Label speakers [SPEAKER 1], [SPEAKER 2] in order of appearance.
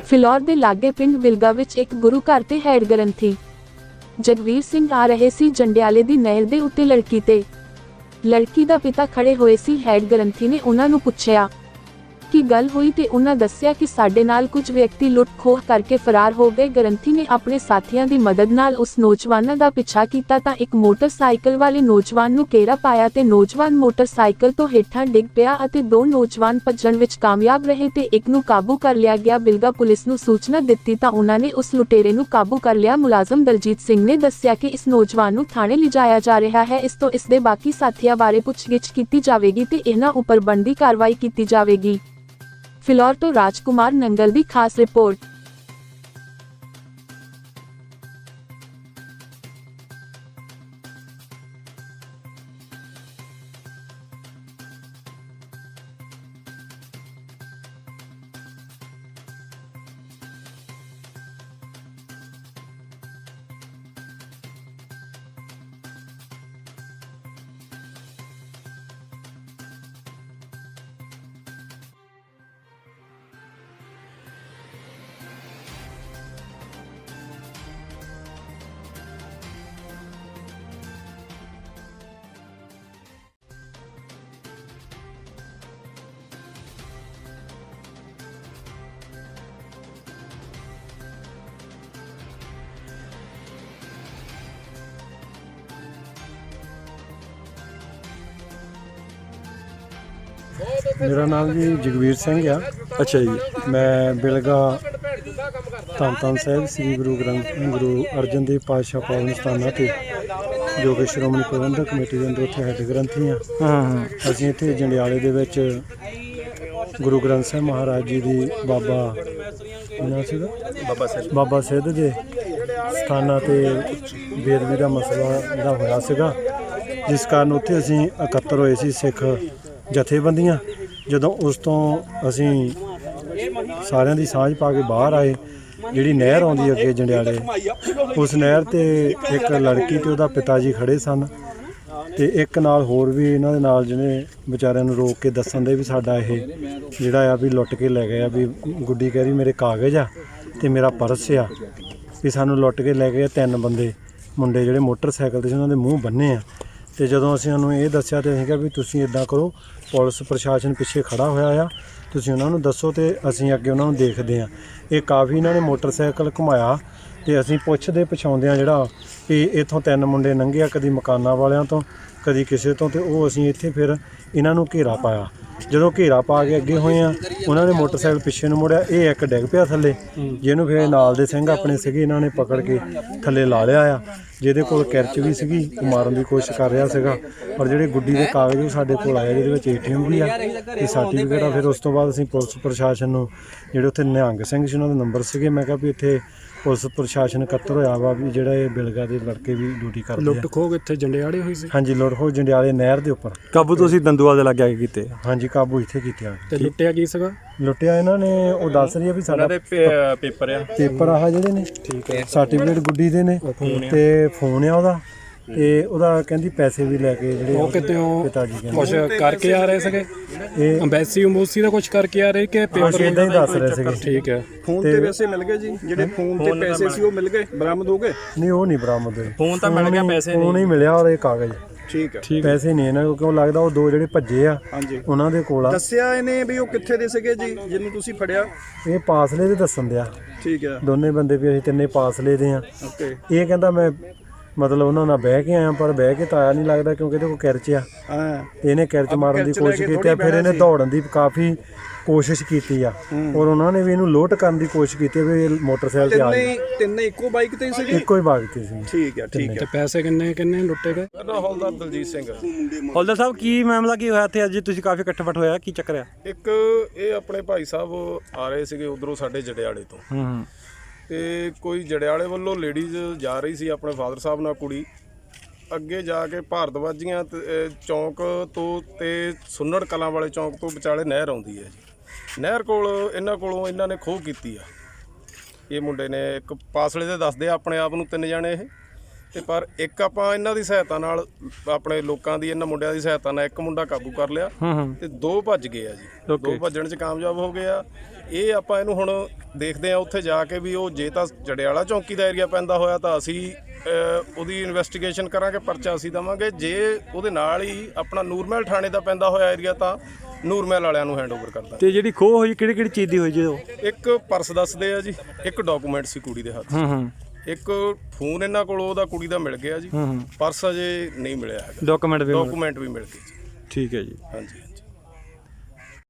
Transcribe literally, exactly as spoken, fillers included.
[SPEAKER 1] ਫਿਲੌਰ ਦੇ ਲਾਗੇ ਪਿੰਡ ਵਿਲਗਾ ਵਿੱਚ ਇੱਕ ਗੁਰੂ ਘਰ ਤੇ ਹੈਡ ਗ੍ਰੰਥੀ ਜਗਵੀਰ ਸਿੰਘ ਆ ਰਹੇ ਸੀ ਜੰਡਿਆਲੇ ਦੀ ਨਹਿਰ ਦੇ ਉੱਤੇ ਲੜਕੀ ਤੇ। ਲੜਕੀ ਦਾ ਪਿਤਾ ਖੜੇ ਹੋਏ ਸੀ। ਹੈਡ ਗ੍ਰੰਥੀ ਨੇ ਉਹਨਾਂ ਨੂੰ ਪੁੱਛਿਆ ਕੀ ਗੱਲ ਹੋਈ ਤੇ ਉਹਨਾਂ ਦੱਸਿਆ ਕਿ ਸਾਡੇ ਨਾਲ ਕੁਝ ਵਿਅਕਤੀ ਲੁੱਟ ਖੋਹ ਕਰਕੇ ਫਰਾਰ ਹੋ ਗਏ। ਗ੍ਰੰਥੀ ਨੇ ਆਪਣੇ ਸਾਥੀਆਂ ਦੀ ਮਦਦ ਨਾਲ ਉਸ ਨੌਜਵਾਨਾਂ ਦਾ ਪਿੱਛਾ ਕੀਤਾ ਤਾਂ ਇੱਕ ਮੋਟਰਸਾਈਕਲ ਵਾਲੇ ਨੌਜਵਾਨ ਨੂੰ ਘੇਰਾ ਪਾਇਆ ਤੇ ਨੌਜਵਾਨ ਮੋਟਰਸਾਈਕਲ ਤੋਂ ਹੇਠਾਂ ਡਿੱਗ ਪਿਆ ਅਤੇ ਦੋ ਨੌਜਵਾਨ ਭੱਜਣ ਵਿੱਚ ਕਾਮਯਾਬ ਰਹੇ ਤੇ ਇੱਕ ਨੂੰ ਕਾਬੂ ਕਰ ਲਿਆ ਗਿਆ। ਬਿਲਗਾ ਪੁਲਿਸ ਨੂੰ ਸੂਚਨਾ ਦਿੱਤੀ ਤਾਂ ਉਹਨਾਂ ਨੇ ਉਸ ਲੁਟੇਰੇ ਨੂੰ ਕਾਬੂ ਕਰ ਲਿਆ। ਮੁਲਾਜ਼ਮ ਦਲਜੀਤ ਸਿੰਘ ਨੇ ਦੱਸਿਆ ਕਿ ਇਸ ਨੌਜਵਾਨ ਨੂੰ ਥਾਣੇ ਲਿਜਾਇਆ ਜਾ ਰਿਹਾ ਹੈ। ਇਸ ਤੋਂ ਇਸ ਦੇ ਬਾਕੀ ਸਾਥੀਆਂ ਬਾਰੇ ਪੁੱਛਗਿੱਛ ਕੀਤੀ ਜਾਵੇਗੀ ਤੇ ਇਹਨਾਂ ਉੱਪਰ ਬਣਦੀ ਕਾਰਵਾਈ ਕੀਤੀ ਜਾਵੇਗੀ। ਫਿਲੌਰ ਤੋਂ ਰਾਜਕੁਮਾਰ ਨੰਗਲ ਦੀ ਖਾਸ ਰਿਪੋਰਟ।
[SPEAKER 2] मेरा नाम जी जगवीर सिंह आ।
[SPEAKER 3] अच्छा जी।
[SPEAKER 2] मैं बिलगा धन धन साहिब श्री गुरु ग्रंथ गुरु अर्जन देव पातशाह पावन स्थाना ते जो कि श्रोमणी प्रबंधक कमेटी के अंदर उत्थे हैड ग्रंथी हाँ। असीं इत्थे जंडियाले दे विच गुरु ग्रंथ साहिब महाराज जी दी बाबा नाम सीगा बाबा सिद्ध बाबा सिद्ध दे स्थाना ते बेदबी दा मसला जिहड़ा होया सीगा, जिस कारण उत्थे असीं इकत्तर होए सी सिख जथेबंदियां। ਜਦੋਂ ਉਸ ਤੋਂ ਅਸੀਂ ਸਾਰਿਆਂ ਦੀ ਸਾਂਝ ਪਾ ਕੇ ਬਾਹਰ ਆਏ, ਜਿਹੜੀ ਨਹਿਰ ਆਉਂਦੀ ਅੱਗੇ ਜੰਡਿਆਲੇ, ਉਸ ਨਹਿਰ ਤੇ ਇੱਕ ਲੜਕੀ ਤੇ ਉਹਦਾ ਪਿਤਾ ਜੀ ਖੜੇ ਸਨ ਤੇ ਇੱਕ ਨਾਲ ਹੋਰ ਵੀ ਇਹਨਾਂ ਦੇ ਨਾਲ ਜਿਹਨੇ ਵਿਚਾਰਿਆਂ ਨੂੰ ਰੋਕ ਕੇ ਦੱਸਣ ਦੇ ਵੀ ਸਾਡਾ ਇਹ ਜਿਹੜਾ ਆ ਵੀ ਲੁੱਟ ਕੇ ਲੈ ਗਏ ਆ। ਵੀ ਗੁੱਡੀ ਕਹਿ ਰਹੀ ਮੇਰੇ ਕਾਗਜ਼ ਆ ਤੇ ਮੇਰਾ ਪਰਸ ਆ, ਵੀ ਸਾਨੂੰ ਲੁੱਟ ਕੇ ਲੈ ਗਏ ਤਿੰਨ ਬੰਦੇ ਮੁੰਡੇ ਜਿਹੜੇ ਮੋਟਰਸਾਈਕਲ ਤੇ ਸੀ, ਉਹਨਾਂ ਦੇ ਮੂੰਹ ਬੰਨੇ ਆ। ਤੇ ਜਦੋਂ ਅਸੀਂ ਉਹਨੂੰ ਇਹ ਦੱਸਿਆ ਤੇ ਅਸੀਂ ਕਿਹਾ ਵੀ ਤੁਸੀਂ ਇੱਦਾਂ ਕਰੋ, ਪੁਲਿਸ ਪ੍ਰਸ਼ਾਸਨ ਪਿੱਛੇ ਖੜਾ ਹੋਇਆ ਆ, ਤੁਸੀਂ ਉਹਨਾਂ ਨੂੰ ਦੱਸੋ ਤੇ ਅਸੀਂ ਅੱਗੇ ਉਹਨਾਂ ਨੂੰ ਦੇਖਦੇ ਹਾਂ। ਇਹ ਕਾਫੀ ਇਹਨਾਂ ਨੇ ਮੋਟਰਸਾਈਕਲ ਘੁਮਾਇਆ ਤੇ ਅਸੀਂ ਪੁੱਛਦੇ ਪਛਾਉਂਦੇ ਹਾਂ ਜਿਹੜਾ ਵੀ ਇੱਥੋਂ ਤਿੰਨ ਮੁੰਡੇ ਲੰਘੇ ਆ, ਕਦੀ ਮਕਾਨਾਂ ਵਾਲਿਆਂ ਤੋਂ ਕਦੀ ਕਿਸੇ ਤੋਂ, ਤੇ ਉਹ ਅਸੀਂ ਇੱਥੇ ਫਿਰ ਇਹਨਾਂ ਨੂੰ ਘੇਰਾ ਪਾਇਆ। ਜਦੋਂ ਘੇਰਾ ਪਾ ਕੇ ਅੱਗੇ ਹੋਏ ਆ, ਉਹਨਾਂ ਨੇ ਮੋਟਰਸਾਈਕਲ ਪਿੱਛੇ ਨੂੰ ਮੁੜਿਆ, ਇਹ ਇੱਕ ਡਿੱਗ ਪਿਆ ਥੱਲੇ, ਜਿਹਨੂੰ ਫਿਰ ਨਾਲ ਦੇ ਸਿੰਘ ਆਪਣੇ ਸੀਗੇ ਇਹਨਾਂ ਨੇ ਪਕੜ ਕੇ ਥੱਲੇ ਲਾ ਲਿਆ ਆ। ਜਿਹਦੇ ਕੋਲ ਕਿਰਚ ਵੀ ਸੀਗੀ, ਉਹ ਮਾਰਨ ਦੀ ਕੋਸ਼ਿਸ਼ ਕਰ ਰਿਹਾ ਸੀਗਾ। ਔਰ ਜਿਹੜੇ ਗੁੱਡੀ ਦੇ ਕਾਗਜ਼ ਉਹ ਸਾਡੇ ਕੋਲ ਆਏ, ਜਿਹਦੇ ਵਿੱਚ ਏ ਟੀ ਐਮ ਵੀ ਆ ਤੇ ਸਰਟੀਫਿਕੇਟ ਆ। ਫਿਰ ਉਸ ਤੋਂ ਬਾਅਦ ਅਸੀਂ ਪੁਲਿਸ ਪ੍ਰਸ਼ਾਸਨ ਨੂੰ, ਜਿਹੜੇ ਉੱਥੇ ਨਿਹੰਗ ਸਿੰਘ ਸੀ ਉਹਨਾਂ ਦੇ ਨੰਬਰ ਸੀਗੇ, ਮੈਂ ਕਿਹਾ ਵੀ ਇੱਥੇ ਪੁਲਿਸ ਪ੍ਰਸ਼ਾਸਨ ਇਕੱਤਰ ਹੋਇਆ ਵਾ ਵੀ ਜਿਹੜਾ ਇਹ ਬਿਲਗਾ ਦੇ ਲੜਕੇ ਵੀ ਡਿਊਟੀ ਕਰਦੇ ਆ।
[SPEAKER 3] ਲੁੱਟ ਖੋਹ ਇੱਥੇ ਜੰਡਿਆਲੇ ਹੋਈ ਸੀ?
[SPEAKER 2] ਹਾਂਜੀ, ਲੁੱਟ ਖੋਹ ਜੰਡਿਆਲੇ ਨਹਿਰ ਦੇ ਉੱਪਰ।
[SPEAKER 3] ਕਾਬੂ ਤੁਸੀਂ ਦੰਦੂਆ ਦੇ ਲਾਗੇ ਆ ਕੇ ਕੀਤੇ?
[SPEAKER 2] ਹਾਂਜੀ, ਕਾਬੂ ਇੱਥੇ ਕੀਤੇ ਆ।
[SPEAKER 3] ਤੇ ਲੁੱਟਿਆ ਕੀ ਸੀਗਾ?
[SPEAKER 2] ਲੁੱਟਿਆ ਇਹਨਾਂ ਨੇ, ਉਹ ਦੱਸ ਰਹੀ ਆ ਵੀ ਸਾਡਾ
[SPEAKER 3] ਪੇਪਰ ਆ
[SPEAKER 2] ਪੇਪਰ ਆਹ ਜਿਹੜੇ ਨੇ, ਠੀਕ ਹੈ, ਸਰਟੀਫਿਕੇਟ ਗੁੱਡੀ ਦੇ ਨੇ ਤੇ ਫੋਨ ਆ ਉਹਦਾ, ਤੇ ਉਹਦਾ ਕਹਿੰਦੀ ਪੈਸੇ ਵੀ ਲੈ ਕੇ ਜਿਹੜੇ
[SPEAKER 3] ਉਹ ਕਿਤੇ
[SPEAKER 2] ਪਿਤਾ ਜੀ ਕਹਿੰਦੇ
[SPEAKER 3] ਕੁਝ ਕਰਕੇ ਆ ਰਹੇ ਸੀਗੇ।
[SPEAKER 2] ਇਹ
[SPEAKER 3] ਅੰਬੈਸੀ ਅੰਬੂਸੀ ਦਾ ਕੁਝ ਕਰਕੇ ਆ ਰਹੇ ਕਿ ਪੇਪਰ
[SPEAKER 2] ਇਦਾਂ ਹੀ ਦੱਸ ਰਹੇ ਸੀਗੇ।
[SPEAKER 3] ਠੀਕ ਹੈ।
[SPEAKER 4] ਫੋਨ ਤੇ ਪੈਸੇ ਮਿਲ ਗਏ ਜੀ? ਜਿਹੜੇ ਫੋਨ ਤੇ ਪੈਸੇ ਸੀ ਉਹ ਮਿਲ ਗਏ, ਬਰਾਮਦ ਹੋ ਗਏ?
[SPEAKER 2] ਨਹੀਂ, ਉਹ ਨਹੀਂ ਬਰਾਮਦ ਹੋਏ।
[SPEAKER 3] ਫੋਨ ਤਾਂ ਮਿਲ ਗਿਆ, ਪੈਸੇ
[SPEAKER 2] ਨਹੀਂ। ਫੋਨ ਹੀ ਮਿਲਿਆ ਔਰ ਇਹ ਕਾਗਜ਼।
[SPEAKER 4] ਠੀਕ ਹੈ।
[SPEAKER 2] ਪੈਸੇ ਨਹੀਂ ਇਹਨਾਂ ਕੋਲ, ਕਿਉਂ ਲੱਗਦਾ ਉਹ ਦੋ ਜਿਹੜੇ ਭੱਜੇ ਆ
[SPEAKER 4] ਹਾਂਜੀ
[SPEAKER 2] ਉਹਨਾਂ ਦੇ ਕੋਲ ਆ।
[SPEAKER 4] ਦੱਸਿਆ ਇਹਨੇ ਵੀ ਉਹ ਕਿੱਥੇ ਦੇ ਸੀਗੇ ਜੀ ਜਿਹਨੂੰ ਤੁਸੀਂ ਫੜਿਆ?
[SPEAKER 2] ਇਹ ਪਾਸਲੇ ਦੇ ਦੱਸਣ ਦਿਆ,
[SPEAKER 4] ਠੀਕ ਹੈ,
[SPEAKER 2] ਦੋਨੇ ਬੰਦੇ ਵੀ ਅਸੀਂ ਤਿੰਨੇ ਪਾਸਲੇ ਦੇ ਆ।
[SPEAKER 4] ਓਕੇ।
[SPEAKER 2] ਇਹ ਕਹਿੰਦਾ ਮੈਂ ਮਤਲਬ ਉਹਨਾਂ ਨਾਲ ਬਹਿ ਕੇ ਆਇਆ, ਪਰ ਬਹਿ ਕੇ ਤਾਂ ਆਇਆ ਨਹੀਂ ਲੱਗਦਾ, ਕਿਉਂਕਿ ਇਹਦੇ ਕੋਲ ਕਿਰਚ ਆ।
[SPEAKER 4] ਹਾਂ,
[SPEAKER 2] ਤੇ ਇਹਨੇ ਕਿਰਚ ਮਾਰਨ ਦੀ ਕੋਸ਼ਿਸ਼ ਕੀਤੀ ਆ, ਫਿਰ ਇਹਨੇ ਦੌੜਨ ਦੀ ਕਾਫੀ ਕੋਸ਼ਿਸ਼ ਕੀਤੀ ਆ ਔਰ ਉਹਨਾਂ ਨੇ ਵੀ ਇਹਨੂੰ ਲੋਟ ਕਰਨ ਦੀ ਕੋਸ਼ਿਸ਼ ਕੀਤੀ ਵੀ ਇਹ ਮੋਟਰਸਾਈਕਲ ਤੇ ਆ ਜਾਏ।
[SPEAKER 4] ਤਿੰਨੇ ਤਿੰਨੇ ਇੱਕੋ ਬਾਈਕ ਤੇ ਸੀਗੇ?
[SPEAKER 2] ਇੱਕੋ ਹੀ ਬਾਈਕ ਤੇ ਸੀ।
[SPEAKER 4] ਠੀਕ ਹੈ, ਠੀਕ ਹੈ।
[SPEAKER 3] ਤੇ ਪੈਸੇ ਕਿੰਨੇ ਕਿੰਨੇ ਲੁੱਟੇ ਗਏ?
[SPEAKER 4] ਹੌਲਦਾਰ ਦਲਜੀਤ ਸਿੰਘ।
[SPEAKER 3] ਹੌਲਦਾਰ ਸਾਹਿਬ, ਕੀ ਮਾਮਲਾ ਕੀ ਹੋਇਆ ਇੱਥੇ ਅੱਜ ਤੁਸੀਂ ਕਾਫੀ ਇਕੱਠ-ਬੱਠ ਹੋਇਆ, ਕੀ ਚੱਕਰ ਆ?
[SPEAKER 5] ਇੱਕ ਇਹ ਆਪਣੇ ਭਾਈ ਸਾਹਿਬ ਆ ਰਹੇ ਸੀਗੇ ਉਧਰੋਂ ਸਾਡੇ ਜੜਿਆਲੇ ਤੋਂ,
[SPEAKER 3] ਹੂੰ,
[SPEAKER 5] ਤੇ ਕੋਈ ਜੜਿਆਲੇ ਵੱਲੋਂ ਲੇਡੀਜ਼ ਜਾ ਰਹੀ ਸੀ ਆਪਣੇ ਫਾਦਰ ਸਾਹਿਬ ਨਾਲ, ਕੁੜੀ ਅੱਗੇ ਜਾ ਕੇ ਭਾਰਤਵਾਜੀਆਂ ਚੌਂਕ ਤੋਂ ਤੇ ਸੁੰਨੜ ਕਲਾਂ ਵਾਲੇ ਚੌਂਕ ਤੋਂ ਵਿਚਾਲੇ ਨਹਿਰ ਆਉਂਦੀ ਹੈ ਜੀ। ਨਹਿਰ ਕੋਲ ਇਹਨਾਂ ਕੋਲੋਂ ਇਹਨਾਂ ਨੇ ਖੋਹ ਕੀਤੀ ਆ। ਇਹ ਮੁੰਡੇ ਨੇ ਇੱਕ ਪਾਸਲੇ ਦੇ ਦੱਸਦੇ ਆ ਆਪਣੇ ਆਪ ਨੂੰ, ਤਿੰਨ ਜਾਣੇ ਇਹ ਤੇ ਪਰ ਇੱਕ ਆਪਾਂ ਇਹਨਾਂ ਦੀ ਸਹਾਇਤਾ ਨਾਲ, ਆਪਣੇ ਲੋਕਾਂ ਦੀ, ਇਹਨਾਂ ਮੁੰਡਿਆਂ ਦੀ ਸਹਾਇਤਾ ਨਾਲ ਇੱਕ ਮੁੰਡਾ ਕਾਬੂ ਕਰ ਲਿਆ
[SPEAKER 3] ਹੂੰ ਹੂੰ
[SPEAKER 5] ਤੇ ਦੋ ਭੱਜ ਗਏ ਆ ਜੀ। ਦੋ ਭੱਜਣ 'ਚ ਕਾਮਯਾਬ ਹੋ ਗਏ ਆ। ਇਹ ਆਪਾਂ ਇਹਨੂੰ ਹੁਣ ਦੇਖਦੇ ਆ ਉੱਥੇ ਜਾ ਕੇ ਵੀ ਉਹ ਜੇ ਤਾਂ ਜੜਿਆਲਾ ਚੌਂਕੀ ਦਾ ਏਰੀਆ ਪੈਂਦਾ ਹੋਇਆ ਤਾਂ ਅਸੀਂ ਅਹ, ਉਹਦੀ ਇਨਵੈਸਟੀਗੇਸ਼ਨ ਕਰਾਂਗੇ, ਪਰਚਾ ਅਸੀਂ ਦੇਵਾਂਗੇ। ਜੇ ਉਹਦੇ ਨਾਲ ਹੀ ਆਪਣਾ ਨੂਰਮਹਿਲ ਥਾਣੇ ਦਾ ਪੈਂਦਾ ਹੋਇਆ ਏਰੀਆ ਤਾਂ ਨੂਰਮਹਿਲ ਵਾਲਿਆਂ ਨੂੰ ਹੈਂਡਓਵਰ ਕਰਦਾ।
[SPEAKER 3] ਤੇ ਜਿਹੜੀ ਖੋਹ ਹੋਈ ਕਿਹੜੀ ਕਿਹੜੀ ਚੀਜ਼ ਦੀ ਹੋਈ ਜੀ ਉਹ?
[SPEAKER 5] ਇੱਕ ਪਰਸ ਦੱਸਦੇ ਆ ਜੀ, ਇੱਕ ਡਾਕੂਮੈਂਟ ਸੀ ਕੁੜੀ ਦੇ ਹੱਥ 'ਚ,
[SPEAKER 3] ਹੂੰ ਹੂੰ
[SPEAKER 5] ਇੱਕ ਫੋਨ ਇਹਨਾਂ ਕੋਲ ਉਹਦਾ ਕੁੜੀ ਦਾ ਮਿਲ ਗਿਆ ਜੀ,
[SPEAKER 3] ਹੂੰ ਹੂੰ
[SPEAKER 5] ਪਰਸ ਅਜੇ ਨਹੀਂ ਮਿਲਿਆ ਹੈਗਾ,
[SPEAKER 3] ਡਾਕੂਮੈਂਟ ਵੀ
[SPEAKER 5] ਡਾਕੂਮੈਂਟ ਵੀ ਮਿਲ ਗਏ ਜੀ।
[SPEAKER 3] ਠੀਕ ਹੈ ਜੀ।
[SPEAKER 5] ਹਾਂਜੀ।